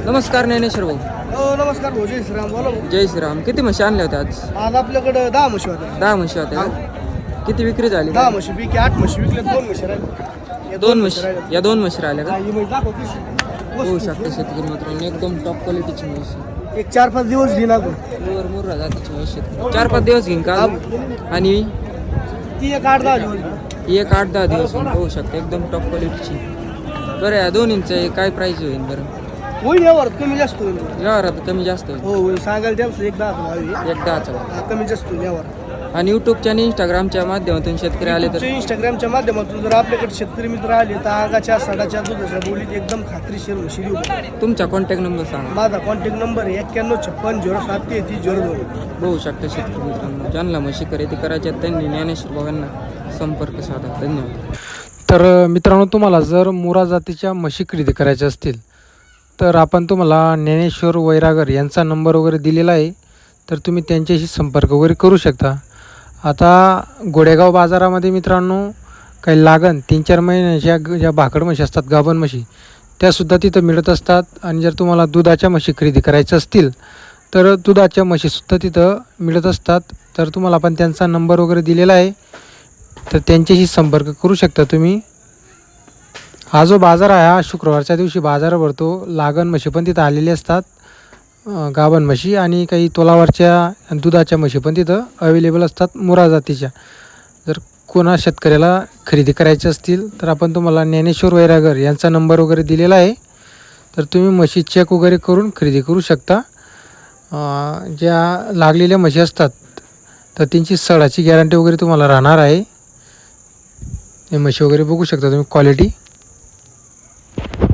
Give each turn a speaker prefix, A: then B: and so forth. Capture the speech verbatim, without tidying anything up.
A: नमस्कार ज्ञानेश्वर भाऊ.
B: हो नमस्कार भाऊ, जय श्रीराम. बोला भाऊ.
A: जय श्रीराम. किती म्हशी आणल्या होत्या आज?
B: आज आपल्याकडे दहा म्हशी होत्या.
A: दहा म्हशी होत्या का? किती विक्री झाली?
B: दहा म्हशी पैकी आठ म्हशी विकल्या, दोन म्हशी राहिल्या. या
A: दोन म्हशी.
B: राहिल्या.
A: या दोन म्हशी राहिल्या का?
B: हा, ही म्हैस दाखव कशी.
A: होऊ शकते शेतकरी मित्रांनो, एकदम टॉप क्वालिटीची म्हशी.
B: एक चार पाच दिवस घेईन आपण.
A: मुर मुर्रा जातीची म्हशी शेतकरी. चार पाच दिवस घेईन का? आणि
B: ती एक आठ दहा दिवस.
A: ही एक आठ दहा दिवस घेईन. होऊ शकते एकदम टॉप क्वालिटीची. बरं या दोन्हींचं काय प्राईस होईल बरं?
B: होईल यावर कमी जास्त होईल.
A: व्यवहारात कमी जास्त होईल.
B: हो होईल, सांगायला त्याचं एक दहा भावी.
A: एक दहाचा.
B: हा, कमी जास्त होईल यावर.
A: आणि यूट्यूबच्या आणि इंस्टाग्रामच्या माध्यमातून शेतकरी आले तर?
B: इंस्टाग्रामच्या माध्यमातून जर आपल्याकडे शेतकरी मित्र आले तर आगाच्या साडाच्या दुधाच्या बोलीत एकदम खात्रीशीर म्हशी देऊ.
A: तुमचा कॉन्टॅक्ट नंबर सांगा.
B: माझा कॉन्टॅक्ट नंबर आहे एक्क्याण्णव छप्पन झिरो सात तेहतीस झिरो दोन.
A: बघू शकता शेतकरी मित्रांनो, ज्यांना म्हशी खरेदी करायच्या त्यांनी ज्ञानेश्वर भावांना संपर्क साधा. धन्यवाद.
C: तर मित्रांनो, तुम्हाला जर मुरा जातीच्या म्हशी खरेदी करायच्या असतील तर आपण तुम्हाला ज्ञानेश्वर वैरागर यांचा नंबर वगैरे दिलेला आहे, तर तुम्ही त्यांच्याशी संपर्क वगैरे करू शकता. आता गोडेगाव बाजारामध्ये मित्रांनो काही लागण तीन चार महिन्याच्या ज्या भाकड म्हशी असतात, गाभण म्हशी, त्यासुद्धा तिथं मिळत असतात. आणि जर तुम्हाला दुधाच्या म्हशी खरेदी करायच्या असतील तर दुधाच्या म्हशीसुद्धा तिथं मिळत असतात. तर तुम्हाला आपण त्यांचा नंबर वगैरे दिलेला आहे, तर त्यांच्याशी संपर्क करू शकता तुम्ही. हा जो बाजार आहे हा शुक्रवारच्या दिवशी बाजार भरतो. लागण म्हशी पण तिथं आलेली असतात, गाभण म्हशी, आणि काही तोलावरच्या दुधाच्या म्हशी पण तिथं अवेलेबल असतात मुरा जातीच्या. जर कोणा शेतकऱ्याला खरेदी करायचे असतील तर आपण तुम्हाला ज्ञानेश्वर वैरागर यांचा नंबर वगैरे दिलेला आहे, तर तुम्ही म्हशी चेक वगैरे करून खरेदी करू शकता. ज्या लागलेल्या म्हशी असतात तर त्यांची सडाची गॅरंटी वगैरे तुम्हाला राहणार आहे. हे म्हशी वगैरे बघू शकता तुम्ही क्वालिटी.